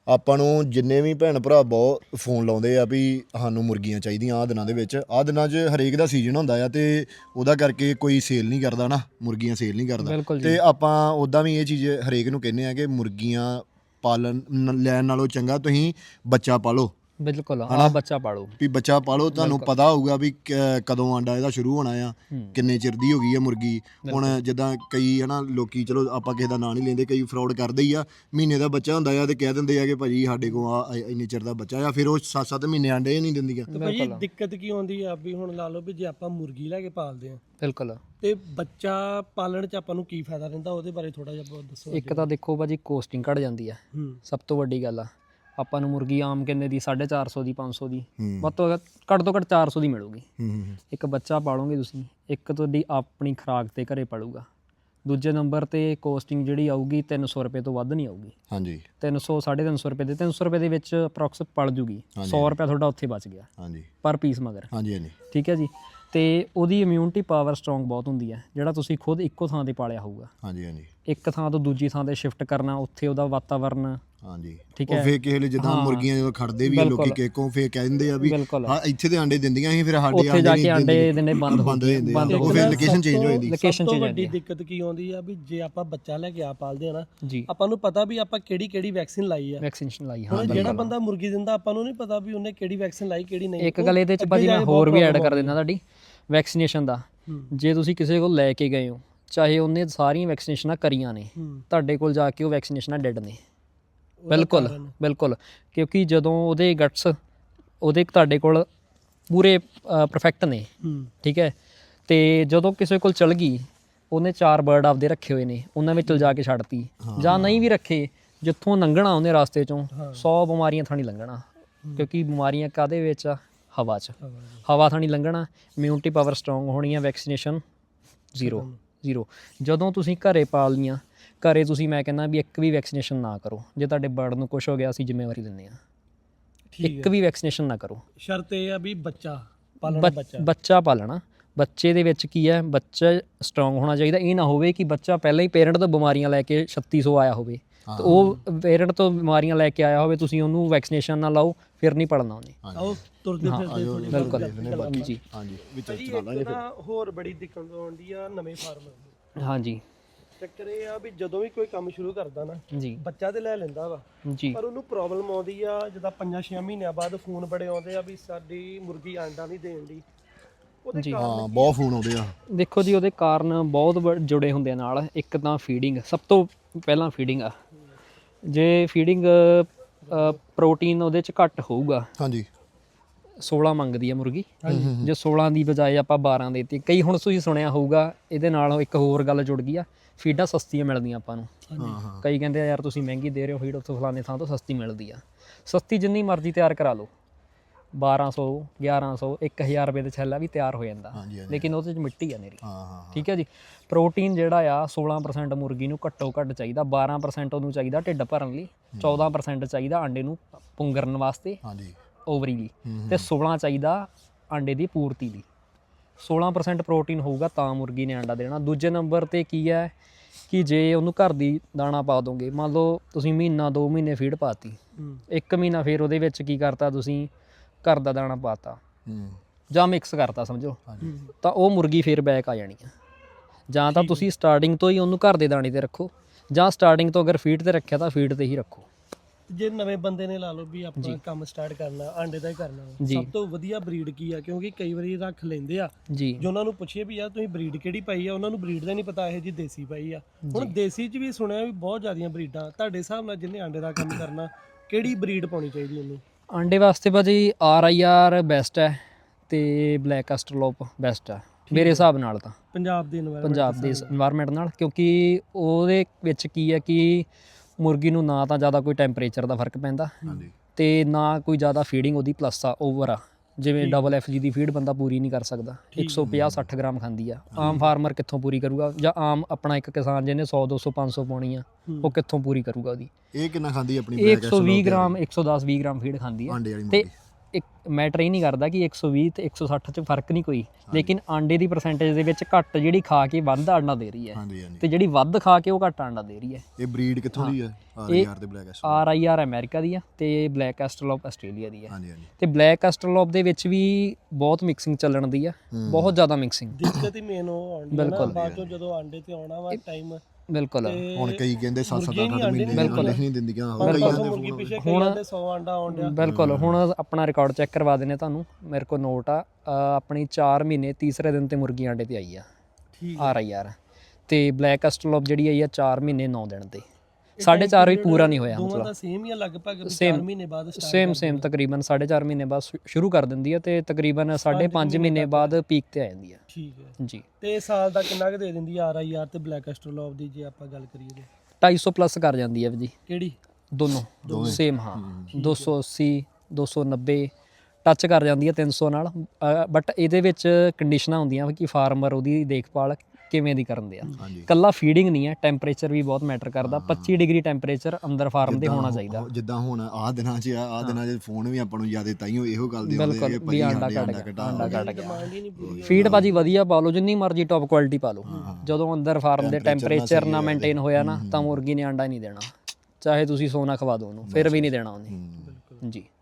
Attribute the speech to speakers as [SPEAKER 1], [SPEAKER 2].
[SPEAKER 1] ਆਪਾਂ ਨੂੰ ਜਿੰਨੇ ਵੀ ਭੈਣ ਭਰਾ ਬਹੁਤ ਫੋਨ ਲਾਉਂਦੇ ਆ ਵੀ ਸਾਨੂੰ ਮੁਰਗੀਆਂ ਚਾਹੀਦੀਆਂ ਆਹ ਦਿਨਾਂ ਦੇ ਵਿੱਚ। ਆਹ ਦਿਨਾਂ 'ਚ ਹਰੇਕ ਦਾ ਸੀਜ਼ਨ ਹੁੰਦਾ ਆ ਤੇ ਉਹਦਾ ਕਰਕੇ ਕੋਈ ਸੇਲ ਨਹੀਂ ਕਰਦਾ ਨਾ, ਮੁਰਗੀਆਂ ਸੇਲ ਨਹੀਂ ਕਰਦਾ। ਤੇ ਆਪਾਂ ਉੱਦਾਂ ਵੀ ਇਹ ਚੀਜ਼ ਹਰੇਕ ਨੂੰ ਕਹਿੰਦੇ ਆ ਕਿ ਮੁਰਗੀਆਂ ਪਾਲਣ ਲੈਣ ਨਾਲੋਂ ਚੰਗਾ ਤੁਸੀਂ ਬੱਚਾ ਪਾਲੋ।
[SPEAKER 2] ਬਿਲਕੁਲ ਹਾਂ, ਬੱਚਾ ਪਾਲੋ
[SPEAKER 1] ਵੀ ਬੱਚਾ ਪਾਲੋ, ਤੁਹਾਨੂੰ ਪਤਾ ਹੋਊਗਾ ਵੀ ਕਦੋਂ ਆਂਡਾ ਇਹਦਾ ਸ਼ੁਰੂ ਹੋਣਾ ਆ, ਕਿੰਨੇ ਚਿਰ ਦੀ ਹੋ ਗਈ ਆ ਮੁਰਗੀ। ਹੁਣ ਜਿੱਦਾਂ ਕਈ ਹਨਾ ਲੋਕੀ, ਚਲੋ ਆਪਾਂ ਕਿਸੇ ਦਾ ਨਾਂ ਨਹੀਂ ਲੈਂਦੇ, ਕਈ ਫਰਾਡ ਕਰਦੇ ਹੀ ਆ। ਮਹੀਨੇ ਦਾ ਬੱਚਾ ਹੁੰਦਾ ਆ ਤੇ ਕਹਿ ਦਿੰਦੇ ਆ ਕਿ ਭਾਜੀ ਸਾਡੇ ਕੋਲ ਆ ਇੰਨੇ ਚਿਰ ਦਾ ਬੱਚਾ ਆ, ਫਿਰ ਉਹ 7-7 ਮਹੀਨੇ ਆਂਡੇ ਨਹੀਂ ਦਿੰਦੀਆਂ।
[SPEAKER 3] ਭਾਜੀ ਦਿੱਕਤ ਕੀ ਆਉਂਦੀ ਆ ਵੀ ਹੁਣ ਲਾ ਲਓ ਵੀ ਜੇ ਆਪਾਂ ਮੁਰਗੀ ਲੈ ਕੇ ਪਾਲਦੇ ਆ
[SPEAKER 2] ਬਿਲਕੁਲ
[SPEAKER 3] ਤੇ ਬੱਚਾ ਪਾਲਣ ਚ ਆਪਾਂ ਨੂੰ ਕੀ ਫਾਇਦਾ ਰਹਿੰਦਾ, ਉਹਦੇ ਬਾਰੇ ਥੋੜਾ ਜਿਹਾ ਦੱਸੋ।
[SPEAKER 2] ਇੱਕ ਤਾਂ ਦੇਖੋ ਭਾਜੀ ਕੋਸਟਿੰਗ ਘਟ ਜਾਂਦੀ ਆ, ਸਭ ਤੋਂ ਵੱਡੀ ਗੱਲ ਆ। ਆਪਾਂ ਨੂੰ ਮੁਰਗੀ ਆਮ ਕਿੰਨੇ ਦੀ 450 ਦੀ 500 ਦੀ ਵੱਧ ਤੋਂ ਘੱਟ ਤੋਂ ਘੱਟ 400 ਦੀ ਮਿਲੂਗੀ। ਇੱਕ ਬੱਚਾ ਪਾਲੋਗੇ ਤੁਸੀਂ, ਇੱਕ ਤੁਹਾਡੀ ਆਪਣੀ ਖੁਰਾਕ ਤੇ ਘਰੇ ਪਲੂਗਾ। ਦੂਜੇ ਨੰਬਰ ਤੇ ਕੋਸਟਿੰਗ ਜਿਹੜੀ ਆਊਗੀ 300 ਰੁਪਏ ਤੋਂ ਵੱਧ ਨਹੀਂ ਆਊਗੀ।
[SPEAKER 1] ਹਾਂਜੀ
[SPEAKER 2] 300 350 ਰੁਪਏ ਦੇ 300 ਰੁਪਏ ਦੇ ਵਿੱਚ ਅਪਰੋਕਸ ਪਲ ਜੂਗੀ। 100 ਰੁਪਏ ਤੁਹਾਡਾ ਉੱਥੇ ਬਚ ਗਿਆ
[SPEAKER 1] ਹਾਂਜੀ
[SPEAKER 2] ਪਰ ਪੀਸ ਮਗਰ।
[SPEAKER 1] ਹਾਂਜੀ ਹਾਂਜੀ
[SPEAKER 2] ਠੀਕ ਹੈ ਜੀ। ਤੇ ਉਹਦੀ ਇਮਿਊਨਿਟੀ ਪਾਵਰ ਸਟਰੋਂਗ ਬਹੁਤ ਹੁੰਦੀ ਹੈ, ਜਿਹੜਾ ਤੁਸੀਂ ਖੁਦ ਇੱਕੋ ਥਾਂ ਤੇ ਪਾਲਿਆ ਹੋਊਗਾ।
[SPEAKER 1] ਹਾਂਜੀ ਹਾਂਜੀ
[SPEAKER 2] ਇੱਕ ਥਾਂ ਤੋਂ ਦੂਜੀ ਥਾਂ ਤੇ ਸ਼ਿਫਟ ਕਰਨਾ, ਉੱਥੇ ਉਹਦਾ ਵਾਤਾਵਰਨ।
[SPEAKER 1] ਹਾਂਜੀ
[SPEAKER 2] ਠੀਕ
[SPEAKER 1] ਹੈ। ਫੇਰ ਕਿਸੇ ਵੇਲੇ ਜਿੱਦਾਂ ਮੁਰਗੀਆਂ ਜਦੋਂ ਖੜਦੇ ਵੀ ਆ ਲੋਕੀ ਕਿਹਕੋਂ ਫੇਰ ਕਹਿ ਦਿੰਦੇ ਆ ਵੀ ਹਾਂ ਇੱਥੇ ਤੇ ਆਂਡੇ ਦਿੰਦੀਆਂ ਸੀ, ਫਿਰ ਸਾਡੇ
[SPEAKER 2] ਉੱਥੇ ਜਾ ਕੇ ਆਂਡੇ ਦੇਣੇ ਬੰਦ ਹੋ
[SPEAKER 1] ਜਾਂਦੇ ਆ, ਉਹ ਫਿਰ ਲੋਕੇਸ਼ਨ ਚੇਂਜ ਹੋ ਜਾਂਦੀ।
[SPEAKER 3] ਸਭ ਤੋਂ ਵੱਡੀ ਦਿੱਕਤ ਕੀ ਆਉਂਦੀ ਆ ਵੀ ਜੇ ਆਪਾਂ ਬੱਚਾ ਲੈ ਕੇ ਆ ਪਾਲਦੇ ਆ ਨਾ, ਆਪਾਂ ਨੂੰ ਪਤਾ ਵੀ ਆਪਾਂ ਕਿਹੜੀ ਵੈਕਸੀਨ ਲਾਈ ਆ।
[SPEAKER 2] ਵੈਕਸੀਨੇਸ਼ਨ ਲਾਈ,
[SPEAKER 3] ਹੁਣ ਜਿਹੜਾ ਬੰਦਾ ਮੁਰਗੀ ਦਿੰਦਾ ਆਪਾਂ ਨੂੰ ਨਹੀਂ ਪਤਾ ਵੀ ਉਹਨੇ ਕਿਹੜੀ ਵੈਕਸੀਨ ਲਾਈ ਕਿਹੜੀ ਨਹੀਂ।
[SPEAKER 2] ਇੱਕ ਗੱਲ ਇਹਦੇ ਚ ਭਾਜੀ ਮੈਂ ਹੋਰ ਵੀ ਐਡ ਕਰ ਦਿੰਦਾ ਤੁਹਾਡੀ ਵੈਕਸੀਨੇਸ਼ਨ ਦਾ। ਜੇ ਤੁਸੀਂ ਕਿਸੇ ਕੋਲ ਲੈ ਕੇ ਗਏ ਹੋ, ਚਾਹੇ ਉਹਨੇ ਸਾਰੀਆਂ ਵੈਕਸੀਨੇਸ਼ਨਾਂ ਕਰੀਆਂ ਨੇ, ਤੁਹਾਡੇ ਕੋਲ ਜਾ ਕੇ ਉਹ ਵੈਕਸੀਨੇਸ਼ਨਾਂ ਡੈਡ ਨੇ। ਬਿਲਕੁਲ ਬਿਲਕੁਲ, ਕਿਉਂਕਿ ਜਦੋਂ ਉਹਦੇ ਗਟਸ ਉਹਦੇ ਤੁਹਾਡੇ ਕੋਲ ਪੂਰੇ ਪਰਫੈਕਟ ਨੇ। ਠੀਕ ਹੈ। ਤੇ ਜਦੋਂ ਕਿਸੇ ਕੋਲ ਚਲ ਗਈ, ਉਹਨੇ 4 ਬਰਡ ਆਪਦੇ ਰੱਖੇ ਹੋਏ ਨੇ, ਉਹਨਾਂ ਵਿੱਚ ਜਾ ਕੇ ਛੱਡਤੀ, ਜਾਂ ਨਹੀਂ ਵੀ ਰੱਖੇ, ਜਿੱਥੋਂ ਲੰਘਣਾ ਉਹਨੇ ਰਸਤੇ ਚੋਂ 100 ਬਿਮਾਰੀਆਂ ਥਾਣੀ ਲੰਘਣਾ। ਕਿਉਂਕਿ ਬਿਮਾਰੀਆਂ ਕਾਹਦੇ ਵਿੱਚ ਆ? ਹਵਾ 'ਚ। ਹਵਾ ਥਾਣੀ ਲੰਘਣਾ, ਇਮਿਊਨਿਟੀ ਪਾਵਰ ਸਟਰੋਂਗ ਹੋਣੀ ਆ, ਵੈਕਸੀਨੇਸ਼ਨ ਜ਼ੀਰੋ। ਜਦੋਂ ਤੁਸੀਂ ਘਰੇ ਪਾਲ ਲੀਆਂ, ਘਰੇ ਤੁਸੀਂ ਮੈਂ ਕਹਿੰਦਾ ਵੀ ਇੱਕ ਵੀ ਵੈਕਸੀਨੇਸ਼ਨ ਨਾ ਕਰੋ। ਜੇ ਤੁਹਾਡੇ ਬਰਡ ਨੂੰ ਕੁਛ ਹੋ ਗਿਆ, ਅਸੀਂ ਜ਼ਿੰਮੇਵਾਰੀ ਲੈਂਦੇ ਹਾਂ। ਇੱਕ ਵੀ ਵੈਕਸੀਨੇਸ਼ਨ ਨਾ ਕਰੋ। ਸ਼ਰਤ ਇਹ ਆ ਵੀ ਬੱਚਾ ਪਾਲਣਾ। ਬੱਚੇ ਦੇ ਵਿੱਚ ਕੀ ਹੈ, ਬੱਚਾ ਸਟਰੋਂਗ ਹੋਣਾ ਚਾਹੀਦਾ। ਇਹ ਨਾ ਹੋਵੇ ਕਿ ਬੱਚਾ ਪਹਿਲਾਂ ਹੀ ਪੇਰੈਂਟ ਤੋਂ ਬਿਮਾਰੀਆਂ ਲੈ ਕੇ 3600 ਆਇਆ ਹੋਵੇ, ਤੇ ਉਹ ਪੇਰੈਂਟ ਤੋਂ ਬਿਮਾਰੀਆਂ ਲੈ ਕੇ ਆਇਆ ਹੋਵੇ, ਤੁਸੀਂ ਉਹਨੂੰ ਵੈਕਸੀਨੇਸ਼ਨ ਨਾ ਲਾਓ, ਫਿਰ ਨਹੀਂ ਪੜਨਾ ਉਹਨੇ।
[SPEAKER 3] ਤੁਰਦੇ ਫਿਰਦੇ
[SPEAKER 2] ਬਿਲਕੁਲ ਜੀ।
[SPEAKER 1] ਹਾਂਜੀ
[SPEAKER 3] ਹੋਰ ਬੜੀ ਦਿੱਕਤ ਆਉਂਦੀ ਆ ਨਵੇਂ ਫਾਰਮਰ।
[SPEAKER 2] ਹਾਂਜੀ
[SPEAKER 3] ਚੱਕਰ ਇਹ ਆ ਵੀ ਜਦੋਂ ਵੀ ਕੋਈ ਕੰਮ ਸ਼ੁਰੂ ਕਰਦਾ ਨਾ
[SPEAKER 2] ਜੀ,
[SPEAKER 3] ਬੱਚਾ ਤੇ ਲੈ ਲੈਂਦਾ ਵਾ
[SPEAKER 2] ਜੀ,
[SPEAKER 3] ਪਰ ਉਹਨੂੰ ਪ੍ਰੋਬਲਮ ਆਉਂਦੀ ਆ ਜਿੱਦਾਂ 5-6 ਮਹੀਨਿਆਂ ਬਾਅਦ ਫੋਨ ਬੜੇ ਆਉਂਦੇ ਆ ਵੀ ਸਾਡੀ ਮੁਰਗੀ ਆਂਡਾ ਨਹੀਂ ਦੇਣ ਦੀ।
[SPEAKER 2] ਜੀ
[SPEAKER 1] ਹਾਂ, ਬਹੁਤ ਫੋਨ ਆਉਂਦੇ ਆ।
[SPEAKER 2] ਦੇਖੋ ਜੀ, ਉਹਦੇ ਕਾਰਨ ਬਹੁਤ ਜੁੜੇ ਹੁੰਦੇ ਆ ਨਾਲ। ਇੱਕ ਤਾਂ ਫੀਡਿੰਗ, ਸਭ ਤੋਂ ਪਹਿਲਾਂ ਫੀਡਿੰਗ ਆ। ਜੇ ਫੀਡਿੰਗ ਪ੍ਰੋਟੀਨ ਉਹਦੇ 'ਚ ਘੱਟ ਹੋਊਗਾ, ਹਾਂਜੀ 16 ਮੰਗਦੀ ਆ ਮੁਰਗੀ, ਜੇ 16 ਦੀ ਬਜਾਏ ਆਪਾਂ 12 ਦੇਤੀ। ਕਈ ਹੁਣ ਤੁਸੀਂ ਸੁਣਿਆ ਹੋਊਗਾ, ਇਹਦੇ ਨਾਲ ਇੱਕ ਹੋਰ ਗੱਲ ਜੁੜ ਗਈ ਆ, ਫੀਡਾਂ ਸਸਤੀਆਂ ਮਿਲਦੀਆਂ ਆਪਾਂ ਨੂੰ। ਕਈ ਕਹਿੰਦੇ ਆ ਯਾਰ ਤੁਸੀਂ ਮਹਿੰਗੀ ਦੇ ਰਹੇ ਹੋ ਫੀਡ, ਉੱਥੋਂ ਫਲਾਣੇ ਥਾਂ ਤੋਂ ਸਸਤੀ ਮਿਲਦੀ ਆ। ਸਸਤੀ ਜਿੰਨੀ ਮਰਜ਼ੀ ਤਿਆਰ ਕਰਾ ਲਓ, 1200 1100 1000 ਰੁਪਏ ਦੇ ਛੱਲਾ ਵੀ ਤਿਆਰ ਹੋ ਜਾਂਦਾ, ਲੇਕਿਨ ਉਹਦੇ 'ਚ ਮਿੱਟੀ ਆ ਮੇਰੀ। ਠੀਕ ਹੈ ਜੀ। ਪ੍ਰੋਟੀਨ ਜਿਹੜਾ ਆ 16% ਮੁਰਗੀ ਨੂੰ ਘੱਟੋ ਘੱਟ ਚਾਹੀਦਾ, 12% ਉਹਨੂੰ ਚਾਹੀਦਾ ਢਿੱਡ ਭਰਨ ਲਈ, 14% ਚਾਹੀਦਾ ਆਂਡੇ ਨੂੰ ਪੁੰਗਰਨ ਵਾਸਤੇ, ਓਵਰੀ ਲਈ, ਤੇ 16 ਚਾਹੀਦਾ ਆਂਡੇ ਦੀ ਪੂਰਤੀ ਲਈ। 16% ਪ੍ਰੋਟੀਨ ਹੋਊਗਾ ਤਾਂ ਮੁਰਗੀ ਨੇ ਆਂਡਾ ਦੇਣਾ। ਦੂਜੇ ਨੰਬਰ 'ਤੇ ਕੀ ਹੈ ਕਿ ਜੇ ਉਹਨੂੰ ਘਰ ਦੀ ਦਾਣਾ ਪਾ ਦੋਗੇ, ਮੰਨ ਲਓ ਤੁਸੀਂ ਮਹੀਨਾ 2 ਮਹੀਨੇ ਫੀਡ ਪਾਤੀ, 1 ਮਹੀਨਾ ਫਿਰ ਉਹਦੇ ਵਿੱਚ ਕੀ ਕਰਤਾ, ਤੁਸੀਂ ਘਰ ਦਾ ਦਾਣਾ ਪਾਤਾ ਜਾਂ ਮਿਕਸ ਕਰਤਾ ਸਮਝੋ, ਤਾਂ ਉਹ ਮੁਰਗੀ ਫਿਰ ਬੈਕ ਆ ਜਾਣੀ ਆ। ਜਾਂ ਤਾਂ ਤੁਸੀਂ ਸਟਾਰਟਿੰਗ ਤੋਂ ਹੀ ਉਹਨੂੰ ਘਰ ਦੇ ਦਾਣੇ 'ਤੇ ਰੱਖੋ, ਜਾਂ ਸਟਾਰਟਿੰਗ ਤੋਂ ਅਗਰ ਫੀਡ 'ਤੇ ਰੱਖਿਆ ਤਾਂ ਫੀਡ 'ਤੇ ਹੀ ਰੱਖੋ। ਜੇ ਨਵੇਂ ਬੰਦੇ ਨੇ ਲਾ ਲਓ ਵੀ ਆਪਾਂ ਕੰਮ ਸਟਾਰਟ ਕਰਨਾ, ਆਂਡੇ ਦਾ ਹੀ ਕਰਨਾ, ਸਭ ਤੋਂ ਵਧੀਆ ਬਰੀਡ ਕੀ ਆ? ਕਿਉਂਕਿ ਕਈ ਵਾਰੀ ਰੱਖ ਲੈਂਦੇ ਆ ਜੀ, ਜੇ ਉਹਨਾਂ ਨੂੰ ਪੁੱਛੀਏ ਵੀ ਯਾਰ ਤੁਸੀਂ ਬਰੀਡ ਕਿਹੜੀ ਪਾਈ ਆ, ਉਹਨਾਂ ਨੂੰ ਬਰੀਡ ਦਾ ਨਹੀਂ ਪਤਾ, ਇਹ ਜੀ ਦੇਸੀ ਪਾਈ ਆ। ਹੁਣ ਦੇਸੀ 'ਚ ਵੀ ਸੁਣਿਆ ਵੀ ਬਹੁਤ ਜ਼ਿਆਦੀਆਂ ਬਰੀਡਾਂ। ਤੁਹਾਡੇ ਹਿਸਾਬ ਨਾਲ ਜਿਹਨੇ ਆਂਡੇ ਦਾ ਕੰਮ ਕਰਨਾ, ਕਿਹੜੀ ਬਰੀਡ ਪਾਉਣੀ ਚਾਹੀਦੀ ਉਹਨੂੰ? ਆਂਡੇ ਵਾਸਤੇ ਭਾਜੀ RIR ਬੈਸਟ ਹੈ ਤੇ ਬਲੈਕ ਐਸਟਰਲੋਪ ਬੈਸਟ ਹੈ ਮੇਰੇ ਹਿਸਾਬ ਨਾਲ, ਤਾਂ ਪੰਜਾਬ ਦੇ ਇਨਵਾਇਰਨਮੈਂਟ ਨਾਲ। ਕਿਉਂਕਿ ਉਹਦੇ ਵਿੱਚ ਕੀ ਹੈ ਕਿ ਮੁਰਗੀ ਨੂੰ ਨਾ ਤਾਂ ਜ਼ਿਆਦਾ ਕੋਈ ਟੈਂਪਰੇਚਰ ਦਾ ਫਰਕ ਪੈਂਦਾ, ਤੇ ਨਾ ਕੋਈ ਜ਼ਿਆਦਾ ਫੀਡਿੰਗ ਉਹਦੀ ਪਲੱਸ ਆ, ਓਵਰ ਆ। ਜਿਵੇਂ FG ਦੀ ਫੀਡ ਬੰਦਾ ਪੂਰੀ ਨਹੀਂ ਕਰ ਸਕਦਾ, 150-60 ਗ੍ਰਾਮ ਖਾਂਦੀ ਆ। ਆਮ ਫਾਰਮਰ ਕਿੱਥੋਂ ਪੂਰੀ ਕਰੂਗਾ, ਜਾਂ ਆਮ ਆਪਣਾ ਇੱਕ ਕਿਸਾਨ ਜਿਹਨੇ 100 200 500 ਪਾਉਣੀ ਆ, ਉਹ ਕਿੱਥੋਂ ਪੂਰੀ ਕਰੂਗਾ ਉਹਦੀ? ਇਹ ਕਿੰਨਾ ਖਾਂਦੀ ਆਪਣੀ? 120 ਗ੍ਰਾਮ 110-20 ਗ੍ਰਾਮ ਫੀਡ ਖਾਂਦੀ ਆ, ਤੇ ਇੱਕ ਮੈਟਰ ਇਹ ਨਹੀਂ ਕਰਦਾ ਕਿ 120 ਤੇ 160 ਚ ਫਰਕ ਨਹੀਂ ਕੋਈ, ਲੇਕਿਨ ਆਂਡੇ ਦੀ ਪਰਸੈਂਟੇਜ ਦੇ ਵਿੱਚ ਘੱਟ ਜਿਹੜੀ ਖਾ ਕੇ ਵੱਧ ਆਂਡਾ ਦੇ ਰਹੀ ਹੈ
[SPEAKER 1] ਹਾਂਜੀ ਹਾਂਜੀ।
[SPEAKER 2] ਤੇ ਜਿਹੜੀ ਵੱਧ ਖਾ ਕੇ ਉਹ ਘੱਟ ਆਂਡਾ ਦੇ ਰਹੀ ਹੈ।
[SPEAKER 1] ਇਹ ਬਰੀਡ ਕਿੱਥੋਂ ਦੀ ਹੈ? RIR ਤੇ ਬਲੈਕ ਐਸਟਰਲੋਪ।
[SPEAKER 2] RIR ਅਮਰੀਕਾ ਦੀ ਆ ਤੇ ਬਲੈਕ ਐਸਟਰਲੋਪ ਆਸਟ੍ਰੇਲੀਆ ਦੀ ਆ।
[SPEAKER 1] ਹਾਂਜੀ ਹਾਂਜੀ।
[SPEAKER 2] ਤੇ ਬਲੈਕ ਐਸਟਰਲੋਪ ਦੇ ਵਿੱਚ ਵੀ ਬਹੁਤ ਮਿਕਸਿੰਗ ਚੱਲਣ ਦੀ ਆ, ਬਹੁਤ ਜ਼ਿਆਦਾ ਮਿਕਸਿੰਗ।
[SPEAKER 3] ਦਿੱਕਤ ਹੀ ਮੇਨ ਉਹ ਆਉਂਦੀ ਹੈ ਨਾ ਬਾਅਦ ਚੋਂ ਜਦੋਂ ਆਂਡੇ ਤੇ ਆਉਣਾ ਵਾ ਟਾਈਮ।
[SPEAKER 2] ਬਿਲਕੁਲ
[SPEAKER 1] ਹੁਣ ਕਈ ਕਹਿੰਦੇ 7-7 ਮਹੀਨੇ ਨਹੀਂ ਦਿੰਦੀਆਂ
[SPEAKER 3] ਮੁਰਗੀ ਪਿੱਛੇ ਕਈ ਜਾਂਦੇ 100 ਆਂਡਾ ਆਉਣ ਡਿਆ।
[SPEAKER 2] ਬਿਲਕੁਲ। ਹੁਣ ਆਪਣਾ ਰਿਕਾਰਡ ਚੈੱਕ ਕਰਵਾ ਦਿੰਦੇ ਤੁਹਾਨੂੰ, ਮੇਰੇ ਕੋਲ ਨੋਟ ਆ ਆਪਣੀ 4 ਮਹੀਨੇ ਤੀਸਰੇ ਦਿਨ ਤੇ ਮੁਰਗੀ ਆਂਡੇ ਤੇ ਆਈ ਆ RIR। ਤੇ ਬਲੈਕ ਐਸਟਰਲੋਪ ਜਿਹੜੀ ਆਈ ਆ 4 ਮਹੀਨੇ 9 ਦਿਨ ਤੇ, 4.5 ਵੀ ਪੂਰਾ ਨਹੀਂ ਹੋਇਆ।
[SPEAKER 3] ਦੋਵਾਂ ਦਾ ਸੇਮ ਹੀ ਆ ਲਗਭਗ 4 ਮਹੀਨੇ ਬਾਅਦ ਸਟਾਰਟ
[SPEAKER 2] ਸੇਮ ਤਕਰੀਬਨ 4.5 ਮਹੀਨੇ ਬਾਅਦ ਸ਼ੁਰੂ ਕਰ ਦਿੰਦੀ ਹੈ ਤੇ ਤਕਰੀਬਨ 5.5 ਮਹੀਨੇ ਬਾਅਦ ਪੀਕ ਤੇ ਆ ਜਾਂਦੀ ਹੈ।
[SPEAKER 3] ਠੀਕ ਹੈ
[SPEAKER 2] ਜੀ।
[SPEAKER 3] ਤੇ ਸਾਲ ਦਾ ਕਿੰਨਾ ਕੁ ਦੇ ਦਿੰਦੀ ਆ RIR ਤੇ ਬਲੈਕ ਐਸਟਰਲੋਪ ਦੀ ਜੇ ਆਪਾਂ ਗੱਲ ਕਰੀਏ ਤੇ?
[SPEAKER 2] 250 ਪਲੱਸ ਕਰ ਜਾਂਦੀ ਹੈ ਜੀ
[SPEAKER 3] ਕਿਹੜੀ?
[SPEAKER 2] ਦੋਨੋਂ ਸੇਮ। ਹਾਂ 280 290 ਟੱਚ ਕਰ ਜਾਂਦੀ ਹੈ 300 ਨਾਲ। ਬਟ ਇਹਦੇ ਵਿੱਚ ਕੰਡੀਸ਼ਨਾਂ ਹੁੰਦੀਆਂ ਕਿ ਫਾਰਮਰ ਉਹਦੀ ਦੇਖਭਾਲ ਕਿਵੇਂ ਦੀ ਕਰਨ ਦੇ ਆ। ਕੱਲਾ ਫੀਡਿੰਗ ਨਹੀਂ ਹੈ, ਟੈਂਪਰੇਚਰ ਵੀ ਬਹੁਤ ਮੈਟਰ ਕਰਦਾ। 25 ਡਿਗਰੀ ਟੈਂਪਰੇਚਰ ਅੰਦਰ ਫਾਰਮ ਦੇ ਹੋਣਾ ਚਾਹੀਦਾ।
[SPEAKER 1] ਜਿੱਦਾਂ ਹੁਣ ਆਹ ਦਿਨਾਂ 'ਚ ਫੋਨ ਵੀ ਆਪਾਂ ਨੂੰ ਜ਼ਿਆਦਾ ਤਾਈਓ ਇਹੋ ਗੱਲ ਦੇ
[SPEAKER 2] ਬਿਲਕੁਲ ਵੀ ਆਂਡਾ ਕੱਢ
[SPEAKER 3] ਡਿਮਾਂਡ ਹੀ ਨਹੀਂ ਪੂਰੀ।
[SPEAKER 2] ਫੀਡ ਭਾਜੀ ਵਧੀਆ ਪਾ ਲਓ, ਜਿੰਨੀ ਮਰਜ਼ੀ ਟੌਪ ਕੁਆਲਿਟੀ ਪਾ ਲਓ, ਜਦੋਂ ਅੰਦਰ ਫਾਰਮ ਦੇ ਟੈਂਪਰੇਚਰ ਨਾ ਮੇਨਟੇਨ ਹੋਇਆ ਨਾ ਤਾਂ ਮੁਰਗੀ ਨੇ ਆਂਡਾ ਨਹੀਂ ਦੇਣਾ, ਚਾਹੇ ਤੁਸੀਂ ਸੋਨਾ ਖਵਾ ਦਿਓ ਉਹਨੂੰ, ਫਿਰ ਵੀ ਨਹੀਂ ਦੇਣਾ ਉਹਨੇ। ਜੀ।